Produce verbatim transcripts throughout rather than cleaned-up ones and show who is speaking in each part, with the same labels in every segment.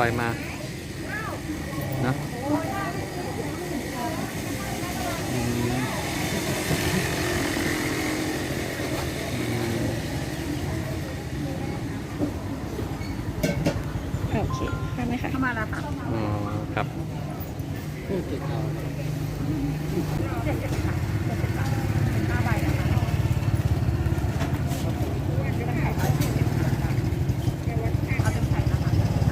Speaker 1: อยมาเนาะอืม
Speaker 2: โอเคได้ไหมคะเข้ามาแล้วค่ะ
Speaker 1: อ๋อครับ
Speaker 2: เจ็ดสิบค่ะเจ็ดสิบค่ะห้าใบนะคะเอาเป็นไข่นะคะ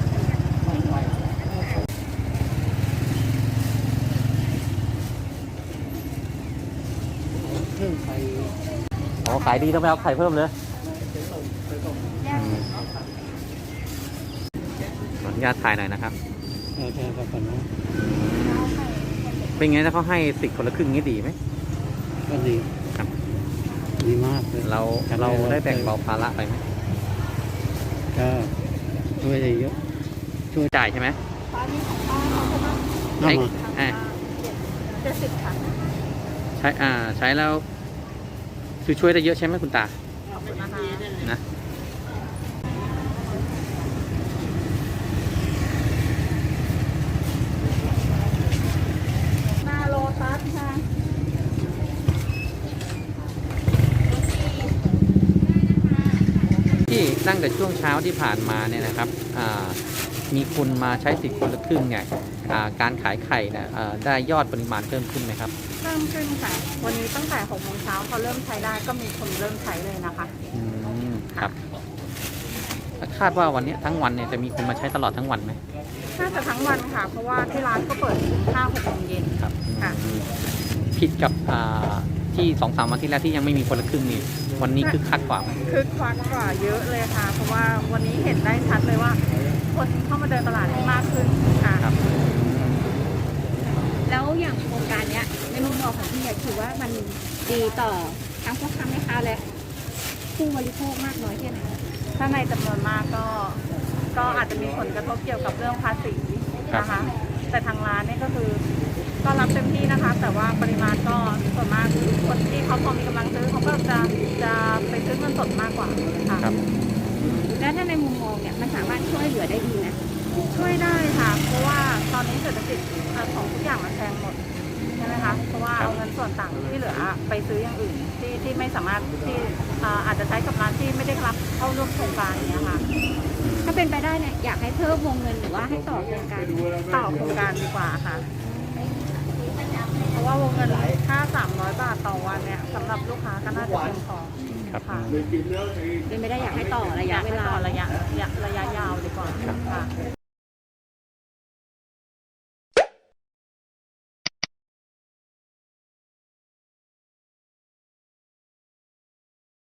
Speaker 3: เครื่องไข่
Speaker 1: อ๋อขายดีต้องไปเอาไข่เพิ่มเลยขออนุญาตถ่ายหน่อยนะครับ
Speaker 3: เออใช่ครับผมนะ
Speaker 1: เป็นไงถ้าเขาให้สิทธิ์คนละครึ่งนี้ดีไหม
Speaker 3: ก็ดี
Speaker 1: ครับ
Speaker 3: ดีมากเลย
Speaker 1: เราเราได้แบ่งเบาภาระไปไหม
Speaker 3: ก็ช่วยได้เยอะ
Speaker 1: ช่วยจ่ายใช่ไหม
Speaker 2: ตอนนี้ของป้าเขาจะมา
Speaker 1: ใช้
Speaker 3: เอามา
Speaker 1: อ่า
Speaker 2: เจ็ดสิบค่ะ
Speaker 1: ใช้อ่าใช้แล้วคือช่วยได้เยอะใช่ไหมคุณตา
Speaker 2: ขอบคุณนะคะ
Speaker 1: นะ
Speaker 2: หน้าโลตัสค่ะ
Speaker 1: ที่ตั้งแต่ช่วงเช้าที่ผ่านมาเนี่ยนะครับอ่ามีคนมาใช้สิทธิ์คนละครึ่งเนี่ยอ่าการขายไข่เนี่ยอ่าได้ยอดปริมาณเพิ่มขึ้นไหมครับ
Speaker 2: เพิ่มขึ้นค่ะ วันนี้ตั้งแต่หกโมงเช้าพอเริ่มใช้ได้ก็มีคนเริ่มใช้เลยนะคะ
Speaker 1: อืมครับคาดว่าวันนี้ทั้งวันเนี่ยจะมีคนมาใช้ตลอดทั้งวันไหม
Speaker 2: น่าจะทั้งวันค่ะ เพราะว่าที่ร้านก็เปิดถึงห้าหกโมงเย็น
Speaker 1: ครับ
Speaker 2: ค่ะ
Speaker 1: อืมผิดกับอ่าที่สองสามวันที่แล้วที่ยังไม่มีคนละครึ่งนี่วันนี้คือคักกว่าไหม
Speaker 2: คึกคักกว่าเยอะเลยค่ะ เพราะว่าวันนี้เห็นได้ชัดเลยว่า คนเข้ามาเดินตลาดมากขึ้นค่ะ
Speaker 1: ครับ
Speaker 4: แล้วอย่างโครงการเนี้ยในมุมมองของพี่เนี่ยถือว่ามันดีต่อทั้งพ่อค้าแม่ค้าและผู้บริโภคมากน้อยแค่ไหน
Speaker 2: ถ้าในจำนวนมากก็ ก็อาจจะมีผลกระทบเกี่ยวกับเรื่องภาษีนะคะ แต่ทางร้านเนี่ยก็คือ ก็รับเต็มที่นะคะ แต่ว่าปริมาณก็ส่วนมากคนที่เขาพอมีกำลังซื้อเขาก็จะจะไปซื้อเงินสดมากกว่าค่ะ
Speaker 1: ครับ
Speaker 4: แล้วถ้าในมุมมองเนี่ยมันสามารถช่วยเหลือได้ดีนะ
Speaker 2: ช่วยได้ค่ะ เพราะว่าตอนนี้เศรษฐกิจของทุกอย่างมันแพงหมดใช่ไหมคะ เพราะว่าเอาเงินส่วนต่างที่เหลือไปซื้ออย่างอื่นที่ที่ไม่สามารถที่อ่าอาจจะใช้กับร้านที่ไม่ได้รับเข้าร่วมโครงการอย่างเงี้ยค่ะ
Speaker 4: ถ้าเป็นไปได้เนี่ยอยากให้เพิ่มวงเงินหรือว่าให้ต่อโครงการ
Speaker 2: ต่อโครงการดีกว่าค่ะ เพราะว่าวงเงินค่าสามร้อยบาทต่อวันเนี่ยสำหรับลูกค้าก็น่าจะเพียงพอ
Speaker 1: ครับ
Speaker 2: ค่ะ
Speaker 4: เป็นไปได้อยากให้ต่อระะ
Speaker 2: อยยาก
Speaker 4: เว
Speaker 2: ให้
Speaker 4: ลา
Speaker 2: ต่อระยะระยะระยะยาวดีกว่าค่ะ